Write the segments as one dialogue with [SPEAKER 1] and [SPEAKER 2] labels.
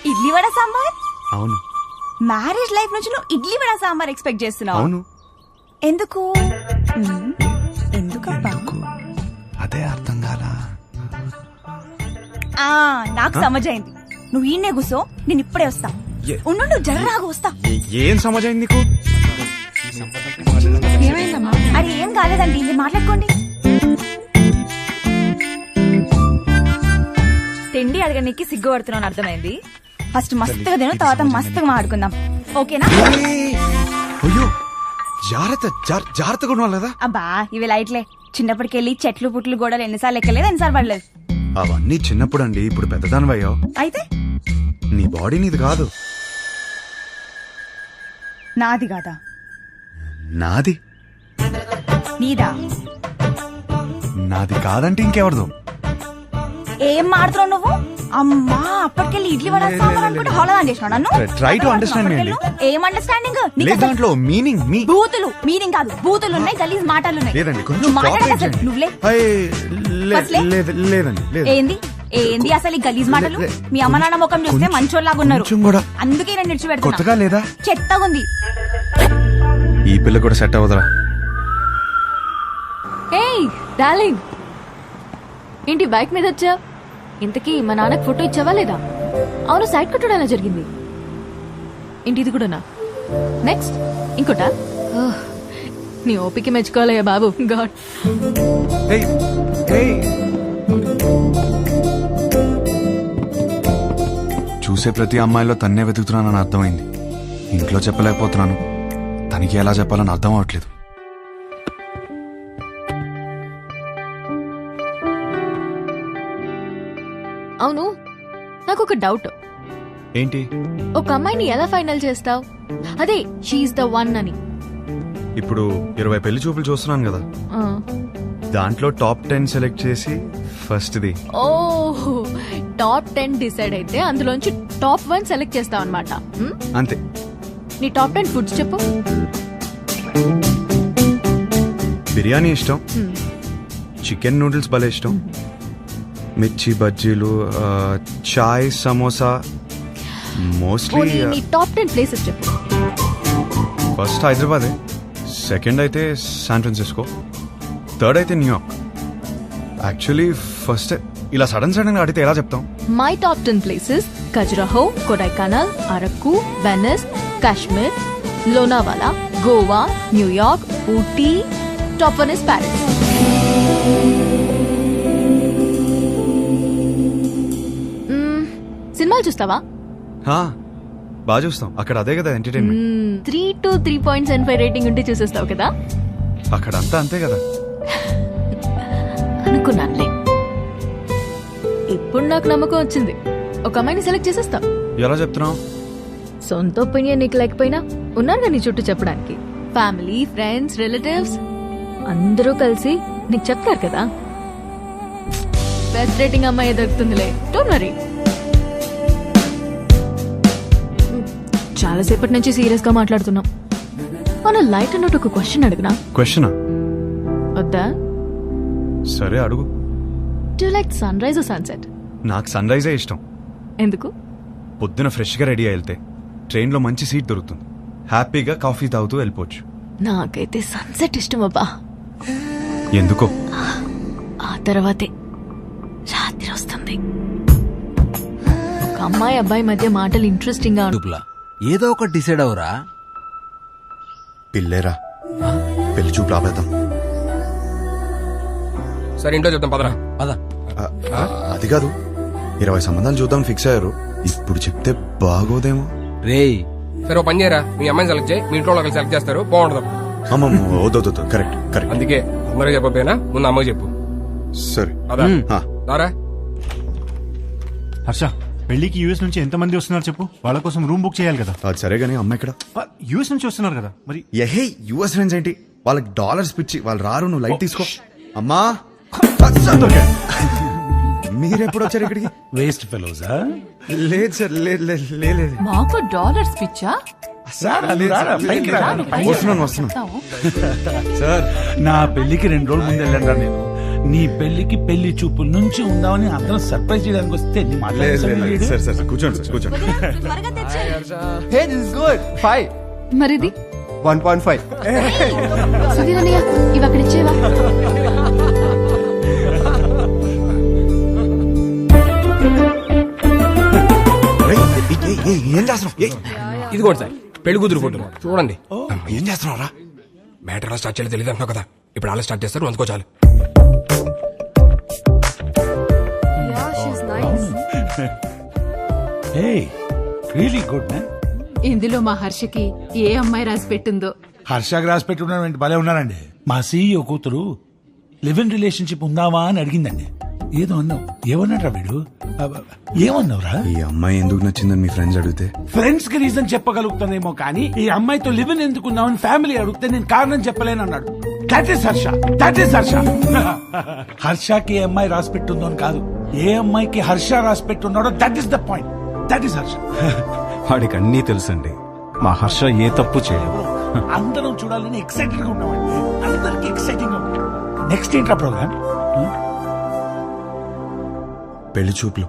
[SPEAKER 1] ఇడ్లీ వడ సాంబార్.
[SPEAKER 2] అవును.
[SPEAKER 1] Marriage life నుంచి నువ్వు ఇడ్లీ వడ సాంబార్ ఎక్స్పెక్ట్ చేస్తున్నావు?
[SPEAKER 2] అవును.
[SPEAKER 1] ఎందుకు? ఎందుకబ్బా?
[SPEAKER 2] అదే అర్థం కాలా.
[SPEAKER 1] నాకు సమజైంది. నువ్వు ఈయనే కూసో, నేను ఇప్పుడే వస్తా. ఉండు, నువ్వు జర్రాగా వస్తా.
[SPEAKER 2] ఏం సమజైంది నీకు?
[SPEAKER 1] అరే ఏం కాలేదండి, ఇది మాట్లాడుకోండి. తిండి అడగడానికి సిగ్గుపడుతున్నాను అర్థమైంది. ఫస్ట్ మస్తుగా తిను, తర్వాత మస్తుగా మాట్లాడుకుందాం, ఓకేనా?
[SPEAKER 2] అయ్యో జాగ్రత్తగా ఉండాలి కదా.
[SPEAKER 1] అబ్బా ఇవి లైట్లే. చిన్నప్పటికెళ్ళి చెట్లు పుట్లు గోడలు ఎన్నిసార్లు ఎక్కలేదు, ఎన్నిసార్లు పడలేదు.
[SPEAKER 2] అవన్నీ చిన్నప్పుడు అండి. ఇప్పుడు పెద్దదానివయ్యో.
[SPEAKER 1] అయితే
[SPEAKER 2] నీ బాడీ నీది కాదు.
[SPEAKER 1] నాది కాదా?
[SPEAKER 2] నాది.
[SPEAKER 1] నీదా?
[SPEAKER 2] నాది కాదంటే ఇంకెవరిదో.
[SPEAKER 1] ఏం మాడుతున్నావు నువ్వు? అమ్మా అప్పటికెళ్ళి ఇడ్లీ వడ సాంబార్ అనుకుంటే హోళదాన్ చేసినావు నన్ను.
[SPEAKER 2] ట్రై టు అండర్స్టాండ్ మీ అండి.
[SPEAKER 1] ఏం అండర్స్టాండింగ్?
[SPEAKER 2] దాంట్లో మీనింగ్
[SPEAKER 1] బూతులు మీనింగ్ కాదు, బూతులు ఉన్నాయి, గలీజ్ మాటలు ఉన్నాయి.
[SPEAKER 2] లేదండి
[SPEAKER 1] నువ్వులే.
[SPEAKER 2] లేదండి.
[SPEAKER 1] ఏంది ఏంది అసలు ఈ గలీజ్ మాటలు? మీ అమ్మ నాన్న ముఖం చూస్తే మంచోళ్ళలాగా ఉన్నారు, అందుకే నేను నిడిచిపెడతా.
[SPEAKER 2] లేదా
[SPEAKER 1] చెత్తగా ఉంది.
[SPEAKER 2] ఈ పిల్ల కూడా సెట్ అవ్వదురా.
[SPEAKER 3] ఏయ్ డార్లింగ్, ఏంటి బైక్ మీద వచ్చా? ఇంతకీ మా నాన్నకి ఫోటో ఇచ్చావా లేదా? అవును, సైడ్ కొట్టడం ఎలా జరిగింది? ఏంటి ఇది కూడానా? నెక్స్ట్ ఇంకోటా? నీ ఓపిక మెచ్చుకోవాలయ్యా బాబు. గాడ్.
[SPEAKER 2] చూసే ప్రతి అమ్మాయిలో తన్నే వెతుకుతున్నానని అర్థమైంది. ఇంట్లో చెప్పలేకపోతున్నాను, తనకి ఎలా చెప్పాలని అర్థం అవట్లేదు.
[SPEAKER 3] అవును, నాకు ఒక డౌట్.
[SPEAKER 2] ఏంటి?
[SPEAKER 3] ఒక అమ్మాయిని ఎలా ఫైనల్ చేస్తావు? అదే షీఈస్ ద వన్ అని.
[SPEAKER 2] ఇప్పుడు 20 పెళ్లి చూపులు చూస్తున్నాను కదా, దాంట్లో టాప్ 10 సెలెక్ట్ చేసి ఫస్ట్ ది.
[SPEAKER 3] ఓహో, టాప్ 10 డిసైడ్ అయితే అందులోంచి టాప్ 1 సెలెక్ట్ చేస్తావు అనమాట.
[SPEAKER 2] అంతే.
[SPEAKER 3] నీ టాప్ 10 ఫుడ్స్ చెప్పు.
[SPEAKER 2] బిర్యానీ ఇష్టం, చికెన్ నూడిల్స్ భలే ఇష్టం, మిర్చి బజ్జీలు, చాయ్, సమోసా. మోస్ట్లీ
[SPEAKER 3] నీ టాప్ 10 ప్లేసెస్ చెప్పు.
[SPEAKER 2] ఫస్ట్ హైదరాబాదే, సెకండ్ అయితే శాన్ ఫ్రాన్సిస్కో, థర్డ్ అయితే న్యూయార్క్. యాక్చువల్లీ ఫస్ట్ ఇలా సడన్ గా అడిగితే ఎలా చెప్తాం?
[SPEAKER 3] My top 10 places: Khajuraho, Kodaikanal, Araku, Venice, Kashmir, Lonavala, Goa, New York, Ooty. Top 1 is Paris. సినిమాలు చూస్తావా?
[SPEAKER 2] బాగా చూస్తాం. అక్కడ అదే కదా ఎంటర్టైన్మెంట్.
[SPEAKER 3] 3 to 3.75 రేటింగ్ ఉంటే చూసేస్తావు కదా.
[SPEAKER 2] అక్కడ అంతా అంతే కదా.
[SPEAKER 3] అనుకున్నానులే. ఇప్పుడు నాకు నమ్మకం వచ్చింది, ఒక అమ్మాయిని సెలెక్ట్ చేసేస్తావు.
[SPEAKER 2] ఎలా చెప్తున్నావు?
[SPEAKER 3] సొంత ఒపీనియన్ నీకు లేకపోయినా ఉన్నారు నీ చుట్టూ చెప్పడానికి. ఫ్యామిలీ, ఫ్రెండ్స్, రిలేటివ్స్ అందరూ కలిసి నీకు చెప్తారు కదా. బెస్ట్ రేటింగ్ అమ్మాయి దొరుకుతుందిలే, డోంట్ వరీ. చాలాసేపటి నుంచి సీరియస్ గా మాట్లాడుతున్నాం. మన లైట్ అన్నట్టు ఒక క్వశ్చన్ అడుగునా?
[SPEAKER 2] క్వశ్చనా?
[SPEAKER 3] వద్దా?
[SPEAKER 2] సరే అడుగు.
[SPEAKER 3] Do like sunrise or sunset?
[SPEAKER 2] నాకు సన్ రైజే ఇష్టం.
[SPEAKER 3] ఎందుకు?
[SPEAKER 2] పొద్దున ఫ్రెష్ గా రెడీ అయి వెళ్తే ట్రైన్ లో మంచి సీట్ దొరుకుతుంది, హ్యాపీగా కాఫీ తాగుతూ వెళ్ళిపోవచ్చు.
[SPEAKER 3] నాకైతే సన్సెట్ ఇష్టం అబ్బా.
[SPEAKER 2] ఎందుకో?
[SPEAKER 3] ఆ తర్వాతే రాత్రి వస్తుంది. ఒక అమ్మాయి అబ్బాయి మధ్య మాటలు ఇంట్రెస్టింగ్ గా
[SPEAKER 4] ఉంటుంది. ఏదో ఒకటి డిసైడ్ అవరా.
[SPEAKER 2] పిల్లేరా, పెళ్లి చూపు రాబేద్దాం.
[SPEAKER 5] సరే ఇంట్లో చెప్తాం, పదరా.
[SPEAKER 4] పద.
[SPEAKER 2] అది కాదు, 20 సంబంధాలు చూద్దాం ఫిక్స్ అయ్యారు. ఇప్పుడు చెప్తే బాగోదేమో.
[SPEAKER 4] రేయ్
[SPEAKER 5] సరే ఓ పని చేయరా, మీ అమ్మాయిని సెలెక్ట్ చేయి, మీ ఇంట్లో వాళ్ళు సెలెక్ట్ చేస్తారు, బాగుంటుంది.
[SPEAKER 2] అమ్మమ్మ వద్దు. కరెక్ట్.
[SPEAKER 5] అందుకే అందరూ చెప్పకపోయినా ముందు అమ్మకి చెప్పు.
[SPEAKER 2] సరే
[SPEAKER 5] దారా.
[SPEAKER 6] హర్ష, పెళ్లికి యూఎస్ నుంచి ఎంత మంది వస్తున్నారు చెప్పు. వాళ్ళ కోసం రూమ్ బుక్ చేయాలి కదా.
[SPEAKER 2] అది సరే గానీ అమ్మ ఇక్కడ
[SPEAKER 6] యూఎస్ నుంచి వస్తున్నారు కదా మరి.
[SPEAKER 2] యుఎస్ ఫ్రెండ్స్ ఏంటి, వాళ్ళకి డాలర్స్ పిచ్చి, వాళ్ళు రారు. నువ్వు లైట్ తీసుకో. అమ్మా మీరెప్పుడు వచ్చారు ఇక్కడికి?
[SPEAKER 4] వేస్ట్ ఫెలోజా?
[SPEAKER 2] లేదు సార్, లేదు.
[SPEAKER 7] మాకు డాలర్స్ పిచ్చా?
[SPEAKER 2] వస్తున్నాను సార్.
[SPEAKER 6] నా పెళ్లికి 2 రోజులు ముందు వెళ్ళండి. నేను
[SPEAKER 4] నీ పెళ్లికి పెళ్లి చూపుల నుంచి ఉందామని అందరం సర్ప్రైజ్ చేయడానికి వస్తే నీ మాట్లాడేది
[SPEAKER 2] సరే సరే కూర్చోండి సార్ కూర్చోండి
[SPEAKER 1] త్వరగా తెచ్చే
[SPEAKER 7] హే దిస్ ఇస్ గుడ్ 5
[SPEAKER 3] మరిది
[SPEAKER 7] 1.5
[SPEAKER 3] సుధీర్ అన్నయ్య ఇవి అక్కడ ఇచ్చేవా
[SPEAKER 2] ఏం చేస్తున్నావు
[SPEAKER 5] ఇది కూడా సార్ పెళ్లి కూతురు ఫోటో చూడండి
[SPEAKER 2] ఏం చేస్తున్నావు రా
[SPEAKER 5] మ్యాటర్ ఎలా స్టార్ట్ చేయాలో తెలియదు అంటున్నావు కదా ఇప్పుడు అలా స్టార్ట్ చేస్తారు అందుకో చాలు
[SPEAKER 4] హే రియలీ గుడ్ మ్యాన్.
[SPEAKER 8] ఇందులో మా హర్షకి ఏ అమ్మాయి రాసి పెట్టిందో.
[SPEAKER 4] హర్షాకి రాసి పెట్టుకున్నాడు భలే ఉన్నారండి. మా సీఈఓ కూతురు లివ్ ఇన్ రిలేషన్షిప్ ఉందావా అని అడిగిందండి. ఏదో అన్నావు. ఏమన్నాడ్రా వీడు? ఏమన్నావురా?
[SPEAKER 2] ఈ అమ్మాయి ఎందుకు నచ్చిందని మీ ఫ్రెండ్స్ అడిగితే
[SPEAKER 4] ఫ్రెండ్స్ కి రీజన్ చెప్పగలుగుతానేమో కానీ ఈ అమ్మాయితో లివ్ ఇన్ ఎందుకున్నావని ఫ్యామిలీ అడిగితే నేను కారణం చెప్పలేను అన్నాడు. That is Harsha, that is Harsha. హర్షకి ఏ అమ్మాయి రాసి పెట్టుందో అని కాదు, ఏ అమ్మాయికి హర్ష రాసి పెట్టున్నాడో that is the point. That is Harsha.
[SPEAKER 2] వాడికి అన్నీ తెలుసండి. మా హర్ష ఏ తప్పు చేయలేదు.
[SPEAKER 4] అందరం చూడాలని ఎక్సైటెడ్ గా ఉన్నామండి. అందరికి ఎక్సైటింగ్ గా ఉంది. నెక్స్ట్ ఏంట్రా ప్రోగ్రామ్?
[SPEAKER 2] పెళ్లి చూపులు.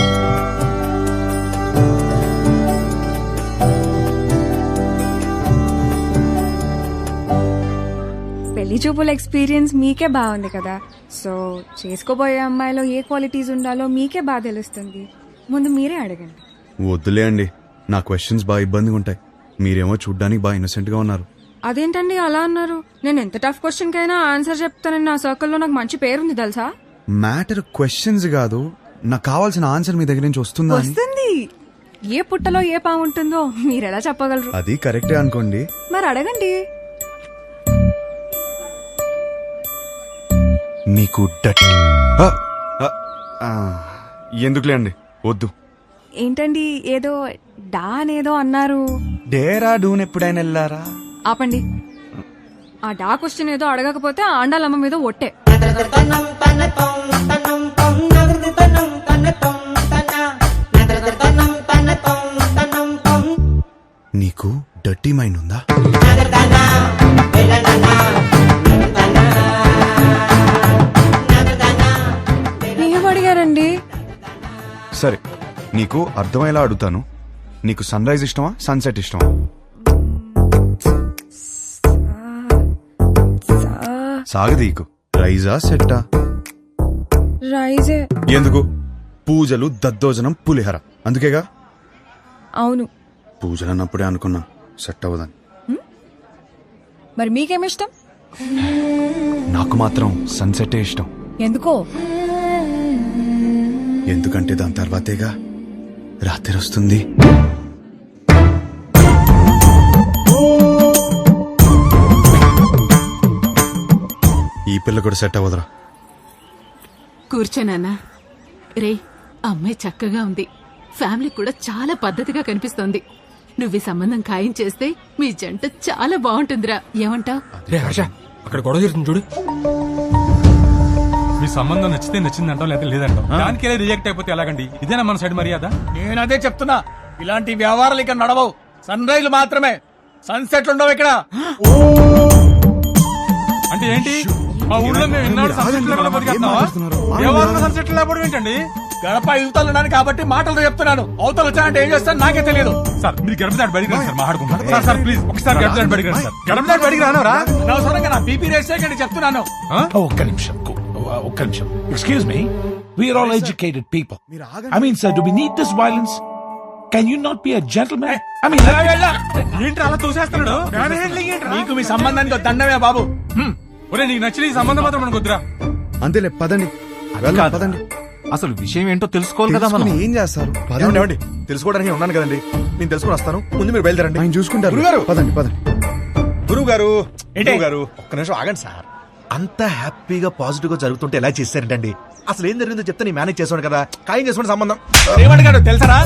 [SPEAKER 9] పెళ్లి చూపుల ఎక్స్పీరియన్స్ మీకే బాగుంది కదా, సో చేసుకోబోయే అమ్మాయిలో ఏ క్వాలిటీస్ ఉండాలో మీకే బాగా తెలుస్తుంది. ముందు మీరే అడగండి.
[SPEAKER 2] వద్దులే అండి, నా క్వశ్చన్స్ బాగా ఇబ్బందిగా ఉంటాయి. మీరేమో చూడ్డానికి బాగా ఇన్నోసెంట్ గా ఉన్నారు.
[SPEAKER 9] అదేంటండి అలా అన్నారు? నేను ఎంత టఫ్ క్వశ్చన్ కైనా ఆన్సర్ చెప్తానని నా సర్కిల్లో నాకు మంచి పేరుంది తెలుసా.
[SPEAKER 2] మ్యాటర్ క్వశ్చన్స్ కాదు, నాకు కావాల్సిన ఆన్సర్ మీ దగ్గర నుంచి వస్తుందా అని.
[SPEAKER 9] వస్తుంది. ఏ పుట్టలో ఏ పాము ఉంటుందో మీరెలా చెప్పగలరు?
[SPEAKER 2] అది కరెక్టే అనుకోండి.
[SPEAKER 9] మరి అడగండి.
[SPEAKER 2] నీకు ఎందుకులే అండి, వద్దు.
[SPEAKER 9] ఏంటండి ఏదో డా అనేదో అన్నారు.
[SPEAKER 2] డేరా డూన్ ఎప్పుడైనా వెళ్ళారా?
[SPEAKER 9] ఆపండి. ఆ డా క్వశ్చన్ ఏదో అడగకపోతే ఆండాలమ్మ మీద ఒట్టే.
[SPEAKER 2] నీకు డర్టీ మైండ్ ఉందా?
[SPEAKER 9] ఏం అడిగారండి?
[SPEAKER 2] సరే, నీకు అర్థమయ్యేలా అడుగుతాను. నీకు సన్ రైజ్ ఇష్టమా, సన్సెట్ ఇష్టమా? సాగదీకు. రైజా సెట్టా?
[SPEAKER 9] రైజే.
[SPEAKER 2] ఎందుకు? పూజలు, దద్దోజనం, పులిహర అందుకేగా.
[SPEAKER 9] అవును.
[SPEAKER 2] పూజలు అన్నప్పుడే అనుకున్నా సెట్ అవ్వదని.
[SPEAKER 9] మరి మీకేమిష్టం?
[SPEAKER 2] నాకు మాత్రం సన్సెటే ఇష్టం.
[SPEAKER 9] ఎందుకో?
[SPEAKER 2] ఎందుకంటే దాని తర్వాతేగా రాత్రి వస్తుంది. ఈ పిల్ల కూడా సెట్ అవ్వదురా.
[SPEAKER 8] కూర్చోనానా. రే, అమ్మాయి చక్కగా ఉంది. ఫ్యామిలీ కూడా చాలా పద్ధతిగా కనిపిస్తోంది. నువ్వు ఈ సంబంధం ఖాయం చేస్తే మీ జంట చాలా బాగుంటుందిరా. ఏమంటావ్?
[SPEAKER 5] రే హర్ష, అక్కడ గొడవ జరుగుతుంది చూడు.
[SPEAKER 10] మీ సంబంధం నచ్చితే నచ్చిందంటాం, లేదా లేదంటాం. దానికే రిజెక్ట్ అయిపోతే ఎలాగండి? ఇదేనా మన సైడ్ మర్యాద?
[SPEAKER 4] నేను అదే చెప్తున్నా, ఇలాంటి వ్యవహారాలు ఇక్కడ నడవవు. సన్ రైజ్ మాత్రమే, సన్సెట్ ఉండవు ఇక్కడ.
[SPEAKER 10] అంటే ఏంటి? మా ఊళ్ళో మేము ఎన్నాళ్ళు సన్సెట్ లేకుండా బతికేస్తున్నావా? ఏ వారంలో సన్సెట్ లేకపోవడం ఏంటండి?
[SPEAKER 4] గడప యువతలు ఉన్నాను కాబట్టి మాటలతో చెప్తున్నాను. అవతలు వచ్చానంటే ఏం చేస్తాను నాకే తెలియదు.
[SPEAKER 10] సార్, మీరు గడప దాటి బడికి రండి సార్, మాట్లాడుకుంటాం. సార్ సార్ ప్లీజ్ ఒకసారి గడప దాటి బడికి రండి సార్. గడప దాటి బడికి రానవరా?
[SPEAKER 4] అనవసరంగా నా బీపీ రేస్ చేయకండి చెప్తున్నాను. ఒక్క నిమిషం, ఒక్క నిమిషం. Excuse me, we're all educated people. I mean sir, do we need this violence? Can you not be a gentleman? I mean
[SPEAKER 10] ఏంటి అలా తోసేస్తున్నాడు?
[SPEAKER 4] నీకు మీ సంబంధానికి దండమే బాబు.
[SPEAKER 10] ఒరే, నీకు నచ్చిన ఈ సంబంధం మాత్రం మనకు వద్దురా.
[SPEAKER 2] అంతేలే, పదండి. వెళ్దాం, పదండి.
[SPEAKER 6] అసలు విషయం ఏంటో తెలుసుకోవాలి కదా మనం.
[SPEAKER 2] తెలుసుకుని ఏం చేస్తారు?
[SPEAKER 7] ఏమండి తెలుసుకోవడానికి ఉన్నాను కదండి, నేను తెలుసుకుని వస్తాను. ముందు మీరు బయలుదేరండి.
[SPEAKER 2] ఆయన చూసుకుంటారు.
[SPEAKER 7] గురుగారు!
[SPEAKER 2] పదండి పదండి.
[SPEAKER 7] గురువు గారు,
[SPEAKER 4] ఏంటి?
[SPEAKER 7] గారు ఒక్క నిమిషం ఆగండి సార్. అంత హ్యాపీగా పాజిటివ్ గా జరుగుతుంటే ఎలా చేశారంటండి? అసలు ఏం జరిగిందో చెప్తే నేను మేనేజ్ చేసాను కదా. ఖాయం చేసుకోండి సంబంధం.
[SPEAKER 4] ఏమడిగాడు తెలుసరా?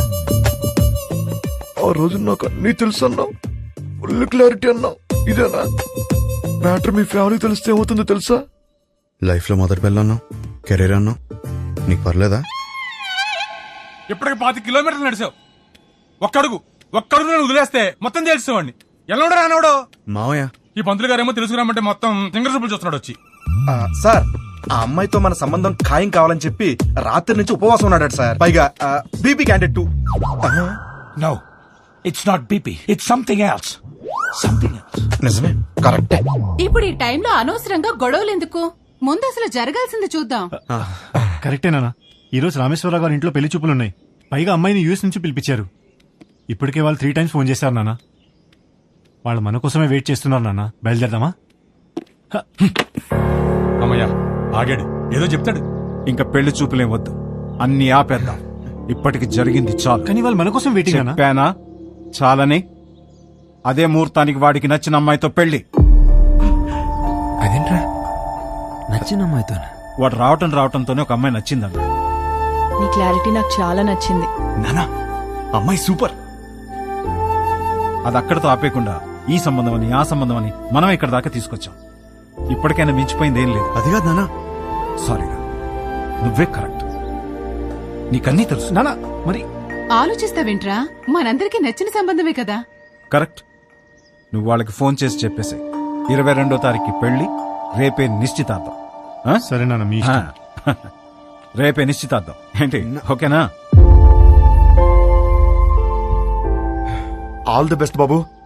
[SPEAKER 7] ఆ రోజు నాకు అన్ని తెలుసు అన్నావు, ఫుల్ క్లారిటీ అన్నావు. ఇదేనా మ్యాటర్? మీ ఫ్యామిలీ తెలిస్తే ఏమవుతుందో తెలుసా?
[SPEAKER 2] లైఫ్ లో మొదటి పిల్ల అన్నావు, కెరీర్ అన్నావు, నీకు పర్లేదా?
[SPEAKER 10] ఇప్పటికి 5 కిలోమీటర్లు నడిచావు. ఒక్కడుగు నేను వదిలేస్తే మొత్తం తెలిసేవాడిని. ఎల్లవడో రానవడో.
[SPEAKER 2] మావయ్య,
[SPEAKER 10] ఈ పంతులు గారేమో తెలుసుకురామంటే మొత్తం సింగర్ చూపులు చూస్తున్నాడు వచ్చి.
[SPEAKER 7] సార్
[SPEAKER 11] ఆ అమ్మాయితో మన సంబంధం ఖాయం కావాలని చెప్పి రాత్రి నుంచి ఉపవాసం ఉన్నాడు సార్. పైగా BP candidate too.
[SPEAKER 4] No, it's not BP, it's something else. Something else.
[SPEAKER 11] నిజమే, కరెక్టే.
[SPEAKER 8] ఇప్పుడు ఈ టైంలో అనవసరంగా గొడవలు ఎందుకు? ముందు అసలు జరగాల్సింది చూద్దాం.
[SPEAKER 6] కరెక్టేనా? ఈ రోజు రామేశ్వరరావు గారి ఇంట్లో పెళ్లి చూపులున్నాయి. పైగా అమ్మాయిని యూఎస్ నుంచి పిలిపించారు. ఇప్పటికే వాళ్ళు 3 times ఫోన్ చేశారు నాన్న. వాళ్ళు మన కోసమే వెయిట్ చేస్తున్నారు నాన్న. బయలుదేరదామా?
[SPEAKER 10] అమ్మయ్యా ఆగాడు, ఏదో చెప్తాడు.
[SPEAKER 12] ఇంకా పెళ్లి చూపులేం వద్దు, అన్ని ఆపేద్దాం. ఇప్పటికి జరిగింది చాలు.
[SPEAKER 6] కానీ వాళ్ళు మన కోసం వెయిటింగ్ అన్నా.
[SPEAKER 12] చెప్పానా చాలని? అదే ముహూర్తానికి వాడికి నచ్చిన అమ్మాయితో పెళ్లి.
[SPEAKER 5] అదేంట్రా నచ్చిన అమ్మాయితో?
[SPEAKER 12] వాడు రావటంతోనే ఒక అమ్మాయి నచ్చిందన్న.
[SPEAKER 3] నీ క్లారిటీ నాకు చాలా నచ్చింది.
[SPEAKER 2] నానా అమ్మాయి సూపర్.
[SPEAKER 12] అది అక్కడితో ఆపేయకుండా ఈ సంబంధం అని ఆ సంబంధం అని మనం ఇక్కడ దాకా తీసుకొచ్చాం. ఇప్పటికైనా మించిపోయింది ఏం లేదు.
[SPEAKER 2] అది కాదు నానా.
[SPEAKER 12] సారీరా, నువ్వే కరెక్ట్. నీకన్నీ తెలుసు.
[SPEAKER 6] నాన్న మరి
[SPEAKER 8] ఆలోచిస్తావేంట్రా? మనందరికీ నచ్చిన సంబంధమే కదా.
[SPEAKER 12] కరెక్ట్. నువ్వు వాళ్ళకి ఫోన్ చేసి చెప్పేసి 22వ తారీఖు పెళ్లి, రేపే నిశ్చితార్థం. ఆ?
[SPEAKER 6] సరే నాన్న, మీ ఇష్టం.
[SPEAKER 12] రేపే నిశ్చితార్థం ఏంటి? ఓకేనా?
[SPEAKER 7] All the best Babu.